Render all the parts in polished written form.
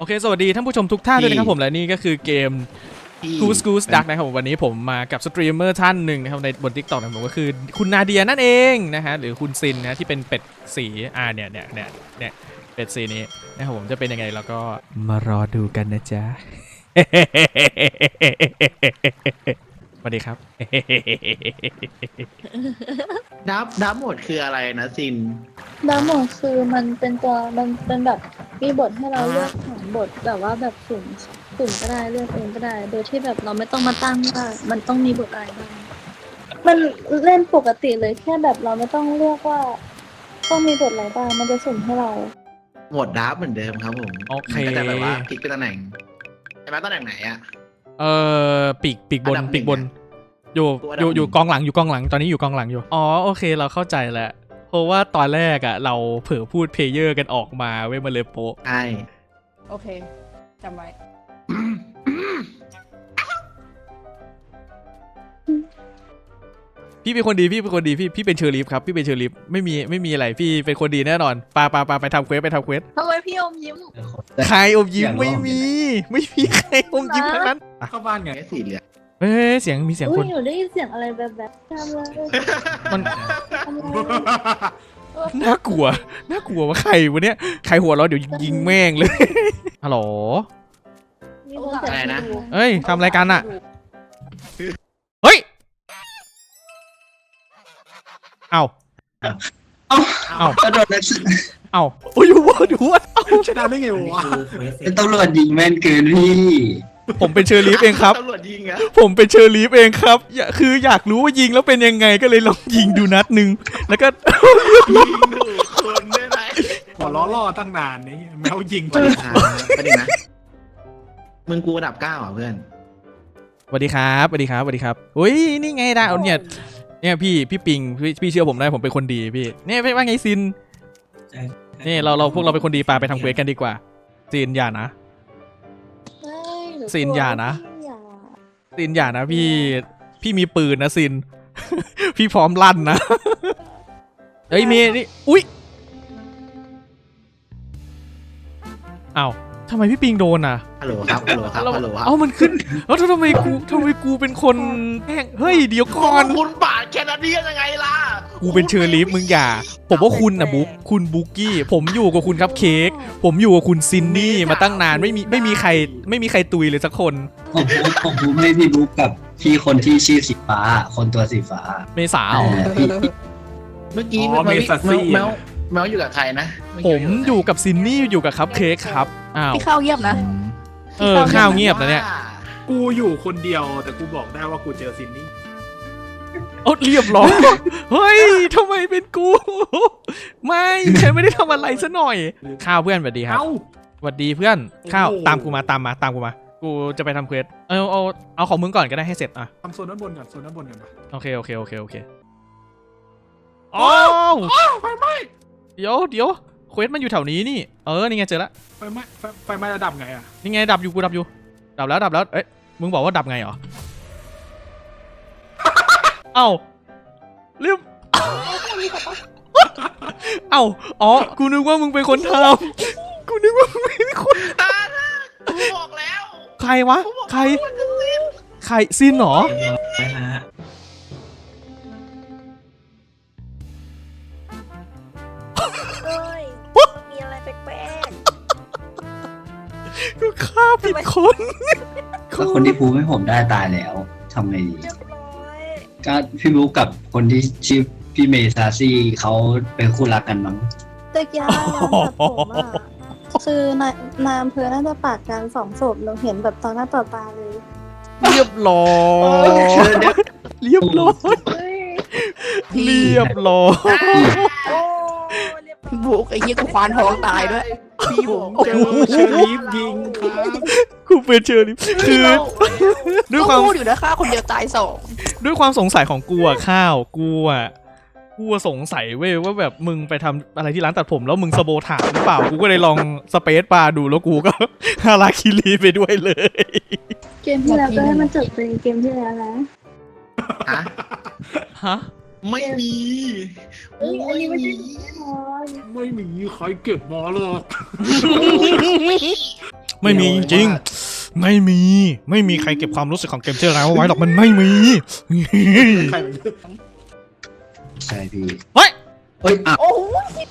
อเคสวัสดีท่านผู้ชมทุกท่านด้วยนะครับผมและนี่ก็คือเกม Goose Duck นะครับวันนี้ผมมากับสตรีมเมอร์ท่านหนึ่งนะครับในบน TikTok ของผมก็คือคุณนาเดียนั่นเองนะฮะหรือคุณซินนะที่เป็นเป็ดสีเนี่ยเป็ดสีนี้นะครับผมจะเป็นยังไงแล้วก็มารอดูกันนะจ๊ะ สวัสดีครับดับหมดคืออะไรนะซินดาวโหมดคือมันเป็นตัวมันเป็นแบบมีบทให้เราเลือกของบทแบบว่าแบบสุ่มก็ได้เลือกเองก็ได้ โดยที่แบบเราไม่ต้องมาตั้งว่ามันต้องมีบทอะไรบ้างมันเล่นปกติเลยแค่แบบเราไม่ต้องเลือกว่าต้องมีบทอะไรบ้างมันจะสุ่มให้เราหมดดับเหมือนเดิมครับผมโอเคมันก็จะแบบว่าพลิกไปตำแหน่งใช่ไหมตำแหน่งไหนอะปีกบนอันดับหนึ่งปีกบนอยู่กองหลังตอนนี้อยู่กองหลังอยู่อ๋อโอเคเราเข้าใจแล้วเพราะว่าตอนแรกอ่ะเราเผลอพูดเพลเยอร์กันออกมาเว้ยมาเลยโป๊ะใช่โอเคจำไว้พี่เป็นคนดีพี่เป็นเชอร์ลีฟครับพี่เป็นเชอร์ลีฟไม่มีอะไรพี่เป็นคนดีแน่นอนไปทำเควสทำไมพี่อมยิ้มใครอมยิ้มไม่มีใครอมยิ้มทั้งนั้นเข้าบ้านไงไอ้สีเหลืองเฮ้ยเสียงมีเสียงอุ้คยนหนูได้ยินเสียงอะไรแบบทำเลยมันทำเลยน่ากลัวว่าใครวะเนี่ยใครหัวเราะเดี๋ยวยิงแม่งเลยฮัลโหลมีคนเสียงดูเอ้ยทำอะไรกันอะเฮ้ยเอาก็โดนนักศึกเอาโอ้ยดูว่าชนะได้ไงวะเป็นตำรวจยิงแม่นเกินพี่ผมเป็นเชอร์ลีฟเองครับตำรวจยิงอะผมเป็นเชอร์ลีฟเองครับคืออยากรู้ว่ายิงแล้วเป็นยังไงก็เลยลองยิงดูนัดหนึ่งแล้วก็ยิงดูคนได้ไหมหัวล้อล่อตั้งนานนี่แมวยิงประเด็นนะมึงกูระดับ9อ่ะเพื่อนสวัสดีครับอุ้ยนี่ไงดาวเนี่ยพี่ปิงพี่เชื่อผมได้ผมเป็นคนดีพี่เนี่ยว่าไงซินนี่เราพวกเราเป็นคนดีไปทำเควสกันดีกว่าซินอย่านะเฮ้ยหกลัวซินอย่านะอย่าซินอย่านะพี่มีปืนนะซิน พี่พร้อมลั่นนะ เฮ้ยมีนี่อุ๊ยอ้าวทำไมพี่ปิงโดนอ่ะฮัลโหลครับเอ้ามันขึ้นแล้วทำไมกูเป็นคนแกล้งเฮ้ยเดี๋ยวก่อนคุณบาดแคนาเดียนยังไงล่ะกูเป็นเชอร์ลีฟมึงอย่าผมว่าคุณนะคุณบุ๊กกี้ผมอยู่กับคุณครับเค้กผมอยู่กับคุณซินนี่มาตั้งนานไม่มีใครตุยเลยสักคนผมบุ๊กไม่พี่บุ๊กกับพี่คนที่ชื่อสีฟ้าคนตัวสีฟ้าเมษาเหรอพี่เมื่อกี้อ๋อเมสัสซี่แมวอยู่กับใครนะผมอยู่กับซินนี่อยู่กับครับเค้กครับอ้าวพี่เข้าเยี่ยมนะข้าวเงียบนะเนี่ยกูอยู่คนเดียวแต่กูบอกได้ว่ากูเจอซินนี่เอาเรียบร้อย เฮ้ยทำไมเป็นกู ไม่ฉันไม่ได้ทำอะไรซะหน่อยข้าวเพื่อนสวัสดีครับเอ้าสวัสดีเพื่อนข้าวโอ้โหตามกูมากูจะไปทำเควสเอาของมึงก่อนก็ได้ให้เสร็จอ่ะทำโซนด้านบนก่อนปะโอเคอ้าวไฟไหม้เดี๋ยวเควสมันอยู่แถวนี้นี่นี่ไงเจอละไฟไหม้ระดับไงอ่ะนี่ไงดับอยู่ดับแล้วเอ้ยมึงบอกว่าดับไงเหรอ เอ้าเรียบ เอ้าอ๋อกูนึกว่ามึงเป็นคนทำกูนึกว่ามึงเป็นคนกูบอกแล้วใครวะใครซินเหรอเอ้ยมีอะไรแปลกกูฆ่าผิดคนก็คนที่พูดให้ผมได้ตายแล้วทำไงดีๆเรียบร้อยก็พี่บุ๊กกับคนที่ชื่อพี่เมซาซี่เขาเป็นคู่รักกันมั้งตะกี้ร้านตัดผมอ่ะคือนายอำเภอน่าจะปาดการ2 ศพเราเห็นแบบต่อหน้าต่อตาเลยเรียบร้อย เรียบร้อยเฮ้ยเรียบร้อยโอ้เรียบร้อยพี่บุกไอ้เหี้ยกูควานท้องตายด้วยพี่ผมเจอเชอรีฟยิงครับกูเป็นเชอร์ลีฟคือด้วยความพูดอยู่นะฆ่าคนเดียวตาย2 ด้วยความสงสัยของกูอะข้าวกูสงสัยเว้ยว่าแบบมึงไปทำอะไรที่ร้านตัดผมแล้วมึงสโบถามหรือเปล่ากูก็เลยลองสเปซบาร์ดูแล้วกูก็ ฮาราคิรีไปด้วยเลยเกมที่แล้วก็ให้มันจบเป็นเกมที่แล้วนะฮะฮะไม่มีเอ้ยอันนี้ไม่ใช่แน่นอนไม่มีใครเก็บหมอหรอกไม่มีจริงๆไม่มีใครเก็บความรู้สึกของเกมเจอร์แล้วไว้หรอกมันไม่มีใครมันใช่พี่เฮ้ยเฮ้ยอ่ะโอ้โห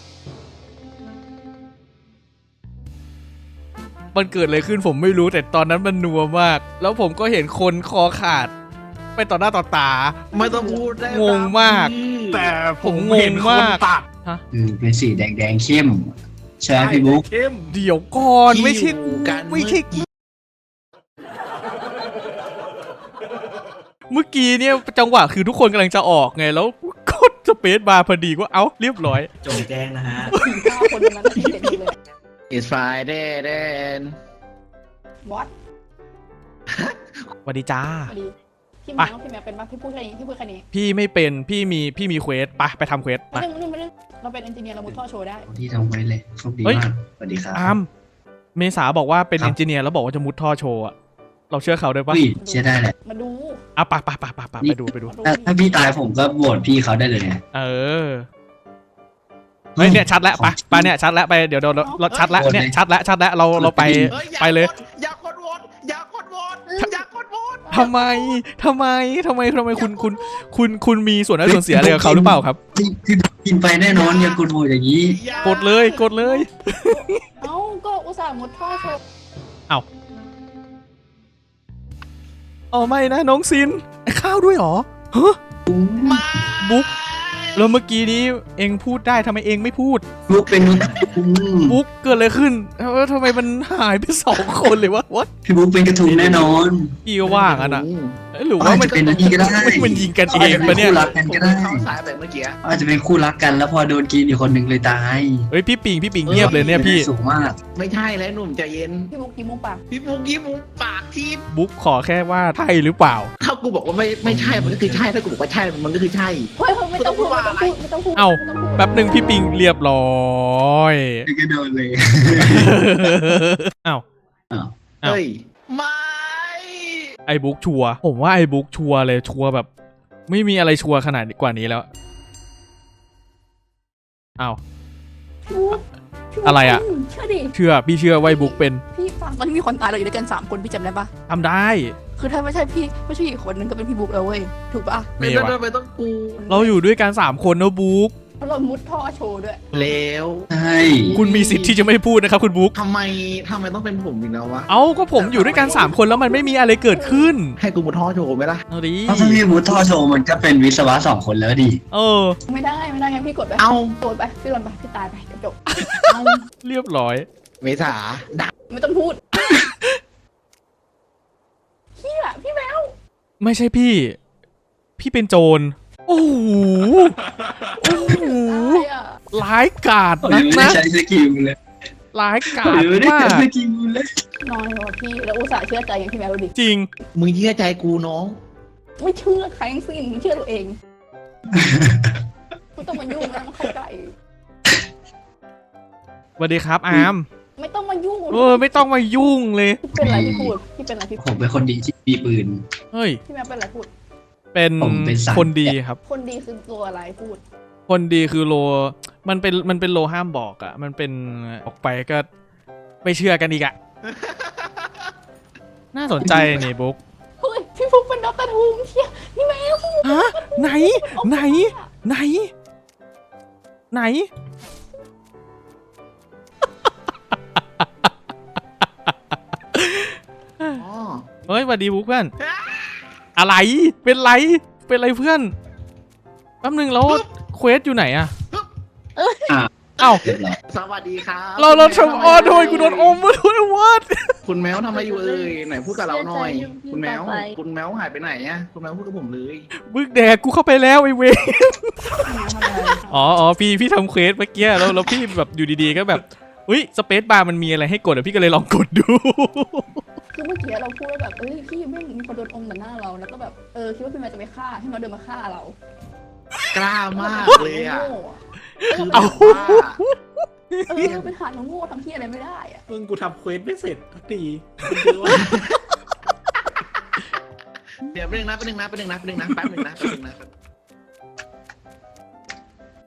มันเกิดอะไรขึ้นผมไม่รู้แต่ตอนนั้นมันนัวมาก แล้วผมก็เห็นคนคอขาดไปต่อหน้าต่อตาไม่ต้องพูดได้งงมากแต่ผมผมงงเห็นคนมากตัดเป็นสีแดงเข้มใช่ไหมพี่บุ๊กเข้มเดี๋ยวก่อนไม่ใช่ที่อยู่กันไม่ใช่เมื่อกี้เนี่ยจังหวะคือทุกคนกำลังจะออกไงแล้วกดสเปซบาร์พอดีก็เอ้าเรียบร้อยจงแจ้งนะฮะ 4-5 คนนั้นเด็ดเลย It's Friday then วอตสวัสดีจ้าพอดีพี่แมวเป็นปะพี่พูดแค่นี้พี่พูดแค่นี้พี่ไม่เป็นพี่มีเควสไปทำเควสไปไม่ได้เราเป็นเอนจิเนียร์เรามุดท่อโชว์ได้ที่ทำไว้เลยโชคดีเฮ้ยมากสวัสดีครับอาร์มเมษาบอกว่าเป็นครับเอนจิเนียร์แล้วบอกว่าจะมุดท่อโชว์อะเราเชื่อเขาได้ปะอุ้ยเชื่อได้แหละมาดูอ่ะไปดูถ้าพี่ตายผมก็โหวตพี่เขาได้เลยไงเออเฮ้ยเนี่ยชัดแล้วไปเนี่ยชัดแล้วไปเดี๋ยวเราชัดแล้วเนี่ยชัดแล้วเราไป ไปเลยอย่ากดโหวตอย่ากดโหวตอย่ากดโหวตทำไมคุณมีส่วนได้ส่วนเสียอะไรกับเขาหรือเปล่าครับคือกินไปแน่นอนอย่ากดโหวตอย่างนี้กดเลยเอ้าก็อุตส่าห์มุดท่อโชว์อ๋อไม่นะน้องซินข้าวด้วยเหรอฮะมาบุ๊กแล้วเมื่อกี้นี้เองพูดได้ทำไมเองไม่พูดบุ๊กเป็นบุ๊กเกิดอะไรขึ้นทำไมมันหายไป2 คนเลยวะวะพี่บุ๊กเป็นกระทุงแน่นอนพี่ก็ว่างอ่ะนะหรืออาว่าจมันจะเป็นอันนี้ก็ได้มันยิงกันเองปะเนี่ยอาจจะเป็นคู่รักกันก็ได้เข้าสายแบบเมื่อกี้อาจจะเป็นคู่รักกันแล้วพอโดนกินอีกคนหนึ่งเลยตายเฮ้ยพี่ปิงเงียบเลยเนี่ยพี่สูงมากไม่ใช่แล้วหนุ่มใจเย็นพี่มุกยิ้มมุมปากพี่ปุ๊กยิ้มมุมปากที่บุ๊กขอแค่ว่าใช่หรือเปล่าถ้ากูบอกว่าไม่ใช่มันก็คือใช่ถ้ากูบอกว่าใช่มันก็คือใช่เฮ้ยไม่ต้องพูดเอ้า แป๊บหนึ่งพี่ปิงเรียบร้อยก็โดนเลยอ้าวอ้าวอ้าวเฮ้ยไม่ไอ้บุ๊กชัวร์ผมว่าไอ้บุ๊กชัวร์เลยชัวร์แบบ ไม่มีอะไรชัวร์ขนาดกว่านี้แล้วอ้าว อะไรอะเชื่อดิพี่เชื่อว่าไอ้บุ๊กเป็นพี่ฟังตอนที่มีคนตายเราอยู่ด้วยกัน3 คนพี่จำได้ปะทำได้คือถ้าไม่ใช่พี่ไม่ใช่อีกคนนึงก็เป็นพี่บุ๊กแล้วเว้ยถูกปะเมไม่ย์ต้องวะไม่ต้องกูเราอยู่ด้วยกัน3 คนนะบุ๊กเพราะเรามุดท่อโชว์ด้วยแล้วใช่คุณมีสิทธิ์ที่จะไม่พูดนะครับคุณบุ๊กทำไมต้องเป็นผมอีกแล้ววะเอ้าก็ผมอยู่ด้วยกัน3 คนแล้วมันไม่มีอะไรเกิดขึ้นให้กูมุดท่อโชว์ไหมล่ะเอาดิเพราะถ้าพี่บุ๊กท่อโชว์มันก็เป็นวิศวะ2 คนแล้วดิเออไม่ได้งั้นพี่กดไปเอาโดนไปพี่โดนไปพี่ตายไปจบเอาเรียบร้อยเมษาดักไม่ต้องพูดพี่แมวไม่ใช่พี่เป็นโจรโอ้โหโอ้โหตายอ่ะร้ายกาจหรืนักอไม่ได้นะใช้สกิลเลยร้ายกาหจรือไม่ได้มาใช้กสกิลเลยนอนเลยว่ะพี่แล้วอุตส่าห์เชื่อใจอย่างพี่แมวดูดิจริงมึงเชื่อใจกูน้องไม่เชื่อใครทั้งสิ้นเชื่อตัวเองไม่ต้องมายุ่งนะมันเข้าใจสวัสดีครับอาร์มไม่ต้องมายุ่งไม่ต้องมายุ่งเลยพี่เป็นอะไรพี่พูดพี่เป็นอะไรพี่ผมเป็นคนดีที่มีปืนเฮ้ยพี่แมวเป็นอะไรพูดเป็นผมเป็นสายคนดีครับคนดีคือตัวอะไรพูดคนดีคือโล มันเป็นโลห้ามบอกอ่ะ มันเป็นออกไปก็ไม่เชื่อกันอีกอ่ะ น่าสนใจนี่บุ๊กเฮ้ยพี่ฟุกเป็นด็อกเตอร์ทูมเชี่ยพี่แมวฮะไหนอ๋อเฮ้ยสวัสดีบุ๊กเพื่อน อะไร เป็นไรเพื่อนแป๊บนึงแล้วเควสอยู่ไหนอะ เอ้าเรียบร้อยสวัสดีครับเราทำอ้อโดยกูโดนอมมาด้วยวัดคุณแมวทำอะไรอยู่เอ่ยไหนพูดกับเราหน่อย คุณแมวหายไปไหนอะคุณแมวพูดกับผมเลยบึกแดกกูเข้าไปแล้วไอ้เวรพี่แมวทำอะไรอ๋อพี่ทำเควสเมื่อกี้แล้วพี่แบบอยู่ดีๆก็แบบอุ้ยสเปซบาร์มันมีอะไรให้กดอ่ะพี่ก็เลยลองกดดูคือเมื่อกี้เราพูดว่าแบบพี่ไม่มีคนโดนอมต่อหน้าเราแล้วก็แบบคิดว่าพี่แมวจะไปฆ่าพี่แมวเดินมาฆ่าเรากล้ามากเลยอะโง่อะคือแบบว่าเป็นหาดโง่ทำที่อะไรไม่ได้อะมึงกูทำเควสไม่เสร็จสักทีมึงคือว่าเดี๋ยวแป๊บนึงนะ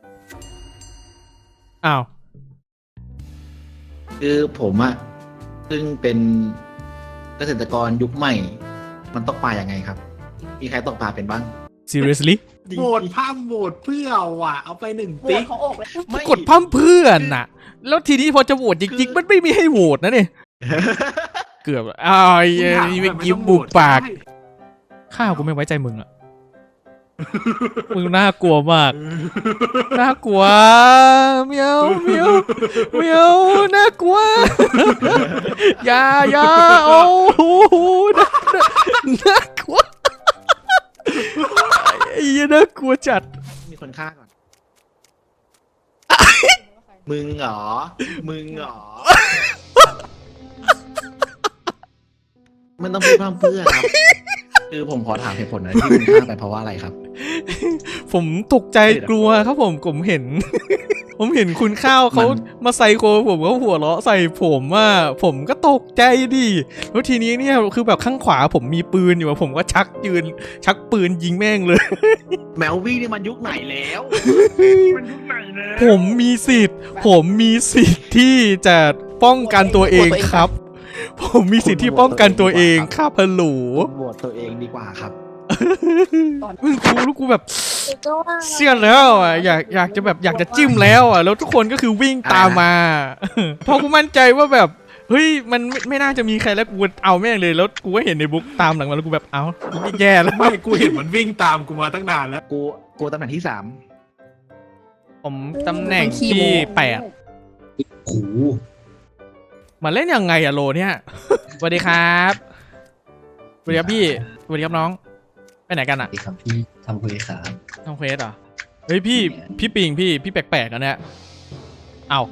อ้าวคือผมอะซึ่งเป็นเกษตรกรยุคใหม่ มันตกปลาอย่างไงครับ มีใครตกปลาเป็นบ้าง seriously โหวตภาพโหวตเพื่อว่ะเอาไป1 โหวติ๊ตกของอกเลยกดพร่ำเพื่อนน่ะ แล้วทีนี้พอจะโหวตจริงๆมันไม่มีให้โหวตนะเนี่ยเกือบอ้าวไอ้เมื่อกี้บุกปากข้าวกูไม่ไว้ใจมึงอะมึงน่ากลัวมาก น่ากลัวเมียวเมียวเมียวน่ากลัวอย่าโอ้โหน่ากลัวไอ้ยี่น่ากลัวจัดมีคนฆ่าก่อน มึงเหรอ มันต้องพูดพร่ำเพื่อครับ คือผมขอถามเหตุผลหน่อยที่คุณฆ่าไปเพราะว่าอะไรครับผมตกใจกลัวครับผมเห็น ผมเห็นคุณข้าวเขามาไซโคผมเขาหัวเราะใส่ผมว่าผมก็ตกใจดิแล้วทีนี้เนี่ยคือแบบข้างขวาผมมีปืนอยู่ผมก็ชักปืนยิงแม่งเลยแมววี่นี่มันยุคไหนแล้วมันยุคไหนนะผมมีสิทธิ์ที่จะป้องกันตัวเองครับ ผมมีสิทธิ์ที่ป้องกันตัวเองครับฮัลโหลโหวตตัวเองดีกว่าครับมึงกูแบบก็ว่าเชื่อแล้วอ่ะอยากจะแบบอยากจะจิ้มแล้วอ่ะแล้วทุกคนก็คือวิ่งตามมาเพราะกูมั่นใจว่าแบบเฮ้ยมันไม่น่าจะมีใครแล้วกูเอาแม่งเลยแล้วกูก็เห็นในบุ๊กตามหลังมาแล้วกูแบบเอาแย่แล้วไม่กูเห็นมันวิ่งตามกูมาตั้งนานแล้วกูตำแหน่งที่ผมตำแหน่งที่8 โอ้โหมาเล่นยังไงอะโลเนี่ยสวัสดีครับสวัสดีครับพี่สวัสดีครับน้องไปไหนกันอะดีครับพี่ทำคุยครับทำเควสเหรอเฮ้ยพี่ปิงพี่แปลกๆอะเนี่ยเอา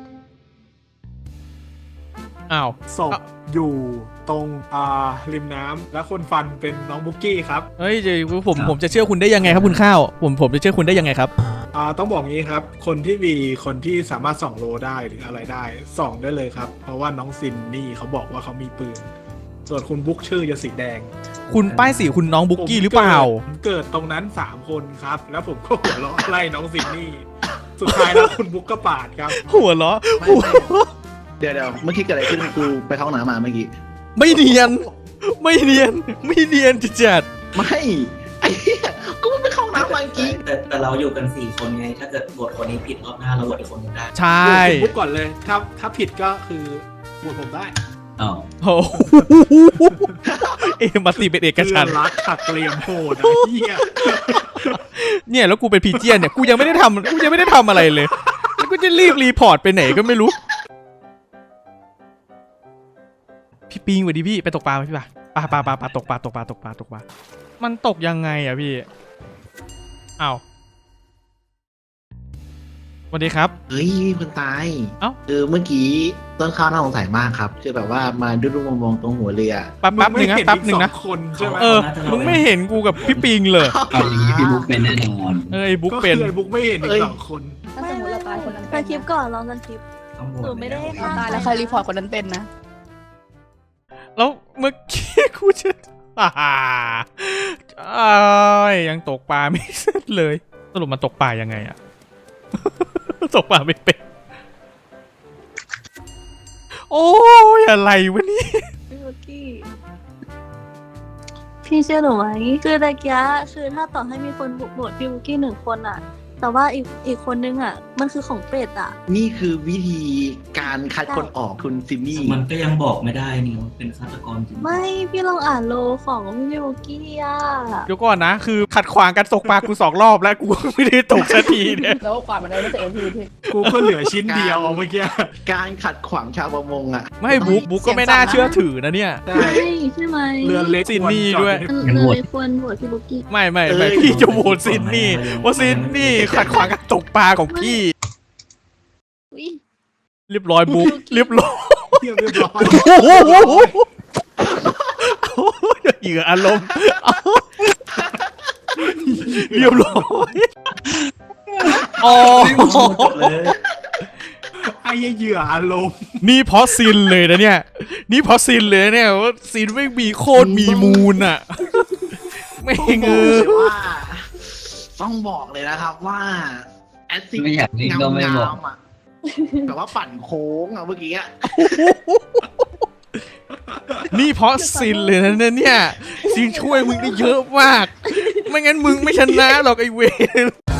ศพอยู่ตรงริมน้ำแล้วคนฟันเป็นน้องบุกกี้ครับเฮ้ยผมจะเชื่อคุณได้ยังไงครับคุณข้าวผมจะเชื่อคุณได้ยังไงครับต้องบอกงี้ครับคนที่สามารถส่องโลได้หรืออะไรได้ส่องได้เลยครับ เพราะว่าน้องซินนี่เขาบอกว่าเขามีปืนส่วนคุณบุ๊กชื่อจะสีแดงคุณป้ายสีคุณน้องบุ๊กกี้หรือเปล่าผมเกิดตรงนั้น3 คนครับแล้วผมก็หัวเราะไล่น้องซินนี่สุดท้ายแล้วคุณบุ๊กก็ปาดครับหัวเราะ 3 เดี๋ยวเมื่อกี้เกิดอะไรขึ้นกูไปเข้าห้องน้ำมาเมื่อกี้ไม่เนียนจัดไม่ไอ้เหี้ยกูไปเข้าห้องน้ำมาเมื่อกี้แต่เราอยู่กัน4 คนไง ถ้าเกิดโหวตคนนี้ผิดรอบหน้าเราโหวตอีกคนหนึงได้ใช่โหวตคุณบุ๊กก่อนเลยถ้าผิดก็คือโหวตผมได้อ้าวโอ้โหมาตีเป็นเอกฉันท์รักขัดเกลียมโหดนะเฮียเนี่ยแล้วกูเป็นพีเจียนเนี่ยกูยังไม่ได้ทำอะไรเลยแล้วกูจะรีบรีพอร์ตไปไหนก็ไม่รู้พี่ปิงสวัสดีพี่ไปตกปลาไหมพี่ปลาตกปลามันตกยังไงอะพี่อ้าวสวัสดีครับเฮ้ยคนตายเอ้าเมื่อกี้ต้นข้าวน่าสงสัยมากครับคือแบบว่ามาดุ้มองตรงหัวเรือแป๊บหนึ่งนะคนใช่ไหมมึงไม่เห็นกูกับพี่ปิงเลยเอาอย่างนี้พี่บุ๊กเป็นแน่นอนไอ้บุ๊กก็เป็คืนอไอ้บุ๊กไม่เห็นอีก2 คนถ้าสมมติเราตายคนนั้นสเป็นคริปต์ก่อนลองสคริปต์ต้องโหวหนูตไม่ได้เราตายแล้วใครรีพอร์ตคนนั้นเป็นนะแล้วเมื่อกี้กูจะยังตกปลาไม่เสร็จเลยสรุปมันตกปลายังไงอะ ตกปลาไม่เป็นโอ้ยอะไรวะนี่พี่บุกกี้พี่เชื่อหนูไหมคือตะกี้คือถ้าต่อให้มีคนโหวตพี่บุกกี้1 คนอะแต่ว่าอีกคนนึงอะมันคือของเป็ดอะนี่คือวิธีการคัดคนออกคุณซิมมี่มันก็ยังบอกไม่ได้นี่ว่าเป็นฆาตกรจริงไม่พี่ลองอ่านโลของพี่บุกกี้อะเดี๋ยวก่อนนะคือขัดขวางการตกปลากู2 รอบแล้วกูไม่ได้ตกสักทีเนี่ยแล้วก็ความมันได้ไม่เสร็จทีพี่กูก็เหลือชิ้นเดียวเมื่อกี้การขัดขวางชาวประมงอ่ะไม่บุ๊กก็ไม่น่าเชื่อถือนะเนี่ยใช่ใช่ไหมเรือเล็กซินนี่ด้วยมันเลยควรโหวตพี่บุกกี้ไม่พี่จะโหวตซินนี่ว่าซินนี่ขัดขวางการตกปลาของพี่อุ๊ยเรียบร้อยบุ๊กเรียบร้อยเรียบร้อยเหยื่ออารมณ์เรียบร้อยอ๋อไอ้เหยื่ออารมณ์นี่เพราะซินเลยนะเนี่ยว่าซินไม่มีโคตรมีมูลอ่ะไม่ต้องบเงอกืเลอยว่าต้องบอกเลยนะครับว่าแอดซิกไม่อยากเล่นก็ไม่บอกๆอ่ะแบบว่าปั่นโค้งอ่ะเมื่อกี้อ่ะนี่เพราะซินเลยนะเนี่ยซินช่วยมึงได้เยอะมาก ไม่งั้นมึงไม่ชนะหรอกไอเวร